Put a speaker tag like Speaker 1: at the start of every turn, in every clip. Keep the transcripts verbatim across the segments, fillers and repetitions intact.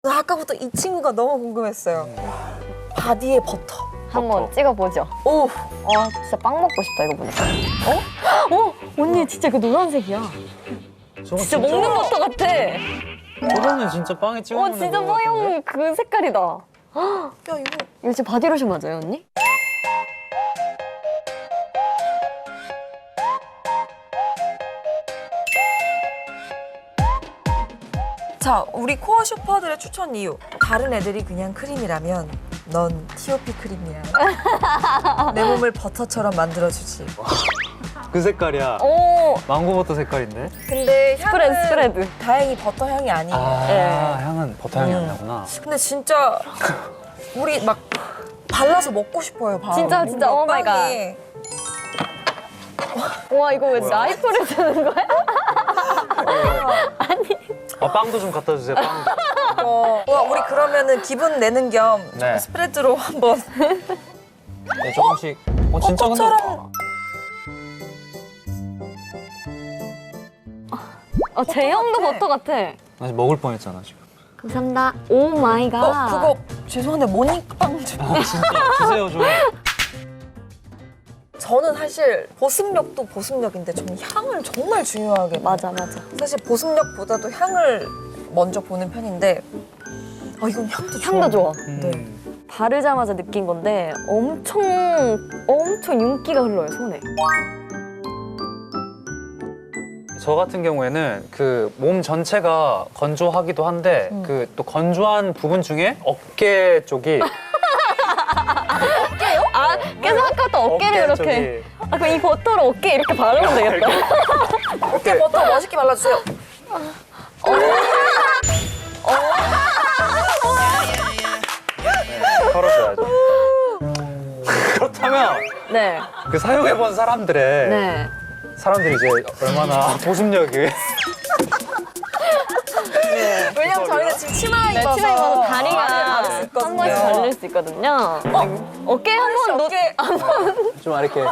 Speaker 1: 나 아까부터 이 친구가 너무 궁금했어요. 바디에 버터.
Speaker 2: 한번 찍어보죠.
Speaker 1: 오,
Speaker 2: 와 진짜 빵 먹고 싶다 이거 보니까. 어? 어? 언니 진짜 그 노란색이야.
Speaker 3: 저거
Speaker 2: 진짜 먹는 버터 같아.
Speaker 3: 저거는 진짜 빵에 찍어
Speaker 2: 어
Speaker 3: 먹는
Speaker 2: 진짜
Speaker 3: 거 같은데?
Speaker 2: 뽀용 그 색깔이다.
Speaker 1: 야 이거
Speaker 2: 이거 진짜 바디로션 맞아요 언니?
Speaker 1: 자, 우리 코어 슈퍼들의 추천 이유. 다른 애들이 그냥 크림이라면 넌 티오피 크림이야. 내 몸을 버터처럼 만들어주지.
Speaker 3: 그 색깔이야.
Speaker 2: 오
Speaker 3: 망고버터 색깔인데?
Speaker 1: 근데 향은
Speaker 2: 스프레드 스프레드.
Speaker 1: 다행히 버터 향이 아니에요.
Speaker 3: 아,
Speaker 2: 네.
Speaker 3: 향은 버터 향이 안
Speaker 1: 음.
Speaker 3: 나구나.
Speaker 1: 근데 진짜 우리 막 발라서 먹고 싶어요, 바로.
Speaker 2: 진짜, 진짜,
Speaker 1: 뭔가
Speaker 2: 오 마이 갓.
Speaker 1: 빵에.
Speaker 2: 와 이거 왜
Speaker 3: 뭐야?
Speaker 2: 나이프를 쓰는 거야?
Speaker 3: 아, 빵도 좀 갖다 주세요, 빵.
Speaker 1: 어, 와, 우리 그러면은 기분 내는 겸
Speaker 3: 네.
Speaker 1: 스프레드로 한번.
Speaker 3: 네, 조금씩. 어, 진짜 근데.
Speaker 1: 버터처럼.
Speaker 2: 어 제형도
Speaker 1: 같아.
Speaker 2: 버터 같아.
Speaker 3: 나 지금 먹을 뻔했잖아, 지금.
Speaker 2: 감사합니다. 오 마이 갓.
Speaker 1: 어, 그거 죄송한데 모닝빵 좀.
Speaker 3: 아, 진짜. 주세요, 좀.
Speaker 1: 저는 사실 보습력도 보습력인데 저는 향을 정말 중요하게 봐요.
Speaker 2: 맞아 맞아.
Speaker 1: 사실 보습력보다도 향을 먼저 보는 편인데 아 이건 향도 좋아.
Speaker 2: 향도 좋아.
Speaker 1: 네.
Speaker 2: 바르자마자 느낀 건데 엄청 엄청 윤기가 흘러요 손에.
Speaker 3: 저 같은 경우에는 그 몸 전체가 건조하기도 한데
Speaker 1: 음.
Speaker 3: 그 또 건조한 부분 중에 어깨 쪽이
Speaker 2: 아 계속 아까부터 어깨를
Speaker 3: 어깨
Speaker 2: 이렇게. 아 그럼 이 버터를 어깨에 이렇게 바르면 되겠다.
Speaker 1: 어깨 버터 멋있게 발라주세요.
Speaker 3: 네, 털어줘야죠. 그렇다면
Speaker 2: 네.
Speaker 3: 그 사용해본 사람들의
Speaker 2: 네.
Speaker 3: 사람들이 이제 얼마나 보습력이
Speaker 1: 왜냐면 저희는 지금 치마
Speaker 2: 네,
Speaker 1: 입어서
Speaker 2: 치마 입어서 다리가
Speaker 1: 다리를 바를 수
Speaker 2: 한
Speaker 1: 있거든요.
Speaker 2: 번씩 바를 수 있거든요. 어깨 한번 놓.
Speaker 1: 어깨
Speaker 3: 좀 이렇게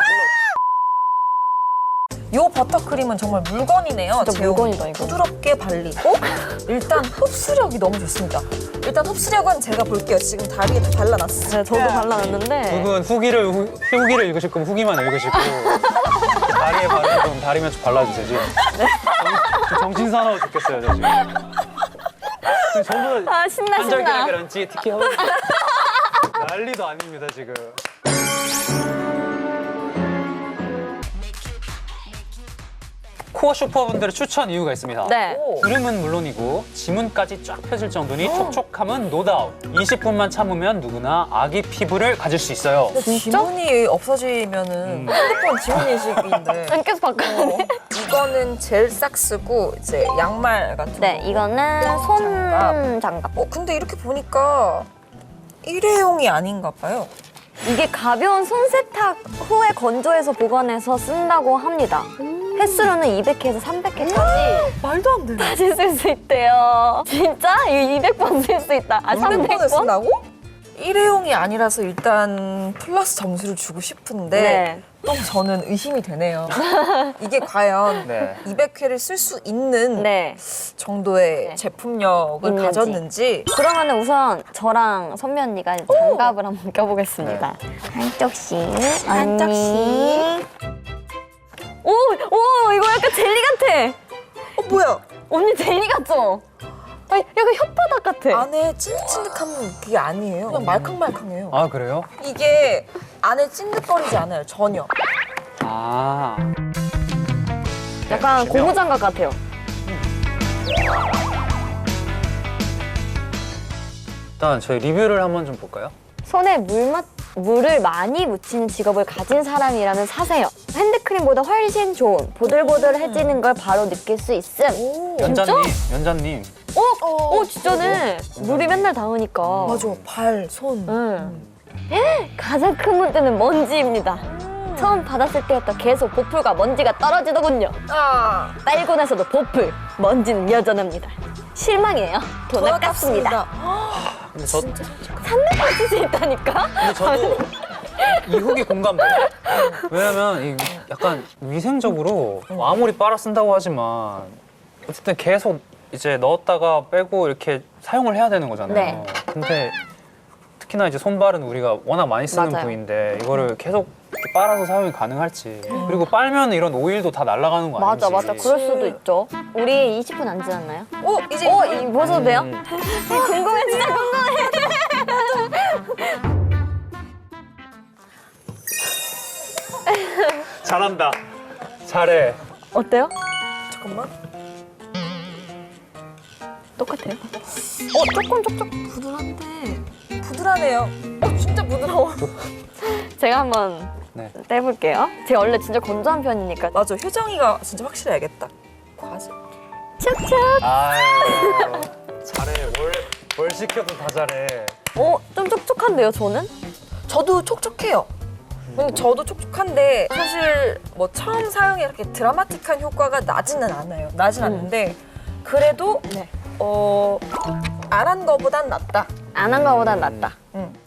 Speaker 1: 요 버터크림은 정말 물건이네요.
Speaker 2: 진짜
Speaker 1: 제형이.
Speaker 2: 물건이다, 이거.
Speaker 1: 부드럽게 발리고 일단 흡수력이 너무 좋습니다. 일단 흡수력은 제가 볼게요. 지금 다리에 다 발라놨어요.
Speaker 2: 네, 저도 발라놨는데.
Speaker 3: 두 분 후기를 후, 후기를 읽으실 거면 후기만 읽으시고 다리에 바르는 건 다리면 좀 발라주세요 지금. 정- 정신 사나워 죽겠어요 저 지금. 전부
Speaker 2: 아 신나 신나.
Speaker 3: 한절기랑 찌 특히 하고 난리도 아닙니다 지금. 코어 슈퍼분들의 추천 이유가 있습니다.
Speaker 2: 네.
Speaker 1: 오.
Speaker 3: 주름은 물론이고 지문까지 쫙 펴질 정도니 촉촉함은 노다운. 이십 분만 참으면 누구나 아기 피부를 가질 수 있어요.
Speaker 1: 근데
Speaker 2: 진짜?
Speaker 1: 지문이 없어지면은
Speaker 3: 음.
Speaker 1: 핸드폰 지문 인식인데
Speaker 2: 안 계속 바꿔야 돼.
Speaker 1: 이거는 젤 삭스고 이제 양말 같은
Speaker 2: 네,
Speaker 1: 거.
Speaker 2: 이거는 손 장갑.
Speaker 1: 어 근데 이렇게 보니까 일회용이 아닌가 봐요.
Speaker 2: 이게 가벼운 손 세탁 후에 건조해서 보관해서 쓴다고 합니다. 횟수로는 이백 회에서 삼백 회까지
Speaker 1: 말도 안 돼.
Speaker 2: 다시 쓸 수 있대요. 진짜? 이거 이백 번 쓸 수 있다. 아, 삼백
Speaker 1: 삼백 번을
Speaker 2: 번?
Speaker 1: 쓴다고? 일회용이 아니라서 일단 플러스 점수를 주고 싶은데
Speaker 2: 네.
Speaker 1: 또 저는 의심이 되네요. 이게 과연
Speaker 3: 네.
Speaker 1: 이백 회를 쓸 수 있는
Speaker 2: 네.
Speaker 1: 정도의
Speaker 2: 네.
Speaker 1: 제품력을
Speaker 2: 있는지.
Speaker 1: 가졌는지
Speaker 2: 그러면 우선 저랑 선미 언니가 장갑을 한번 껴보겠습니다. 한쪽씩.
Speaker 1: 한쪽씩.
Speaker 2: 오! 오! 이거 약간 젤리 같아!
Speaker 1: 어 뭐야?
Speaker 2: 언니 젤리 같죠? 아, 약간 혓바닥 같아.
Speaker 1: 안에 찐득찐득한 그게 아니에요. 그냥 말캉말캉해요.
Speaker 3: 아 그래요?
Speaker 1: 이게 안에 찐득거리지 않아요, 전혀.
Speaker 3: 아.
Speaker 2: 약간 고무장갑 같아요.
Speaker 3: 일단 저희 리뷰를 한번 좀 볼까요?
Speaker 2: 손에 물 마, 물을 많이 묻히는 직업을 가진 사람이라면 사세요. 핸드크림보다 훨씬 좋은 보들보들해지는 걸 바로 느낄 수 있음.
Speaker 1: 오.
Speaker 3: 연자님, 연자님.
Speaker 2: 어?
Speaker 1: 어,
Speaker 2: 어, 진짜네. 물이 맨날 닿으니까.
Speaker 1: 맞아, 발, 손.
Speaker 2: 응. 가장 큰 문제는 먼지입니다. 처음 받았을 때부터 계속 보풀과 먼지가 떨어지더군요.
Speaker 1: 아,
Speaker 2: 빨고 나서도 보풀, 먼지는 여전합니다. 실망이에요. 돈 아깝습니다.
Speaker 3: 근데 저,
Speaker 2: 삼백 번 쓸 수 있다니까?
Speaker 3: 근데 저도 이 후기 공감돼요. 왜냐면 이 약간 위생적으로 아무리 빨아 쓴다고 하지만 어쨌든 계속 이제 넣었다가 빼고 이렇게 사용을 해야 되는 거잖아요.
Speaker 2: 네.
Speaker 3: 근데 특히나 이제 손발은 우리가 워낙 많이 쓰는
Speaker 2: 맞아요.
Speaker 3: 부위인데 이거를 계속 이렇게 빨아서 사용이 가능할지. 그리고 빨면 이런 오일도 다 날아가는 거 아닌지.
Speaker 2: 맞아, 맞아. 그럴 수도 있죠. 우리 이십 분 안 지났나요?
Speaker 1: 오 이제
Speaker 2: 어, 이 보셔도 돼요?
Speaker 3: 음.
Speaker 2: 궁금해, 진짜 궁금해.
Speaker 3: 잘한다. 잘해.
Speaker 2: 어때요?
Speaker 1: 잠깐만.
Speaker 2: 똑같아요?
Speaker 1: 어 조금 촉촉 부드러운데 부드러네요. 어 진짜 부드러워.
Speaker 2: 제가 한번
Speaker 3: 네.
Speaker 2: 떼볼게요. 제가 원래 진짜 건조한 편이니까.
Speaker 1: 맞아 효정이가 진짜 확실히 알겠다. 과즙.
Speaker 2: 촉촉.
Speaker 3: 아유, 잘해. 뭘, 뭘 시켜도 다 잘해.
Speaker 2: 어, 좀 촉촉한데요, 저는?
Speaker 1: 저도 촉촉해요. 근데 저도 촉촉한데 사실 뭐 처음 사용에 이렇게 드라마틱한 효과가 나지는 않아요. 나진
Speaker 2: 음.
Speaker 1: 않는데 그래도
Speaker 2: 네.
Speaker 1: 어, 안 한 거보단 낫다.
Speaker 2: 안 한 거보단 낫다.
Speaker 1: 응.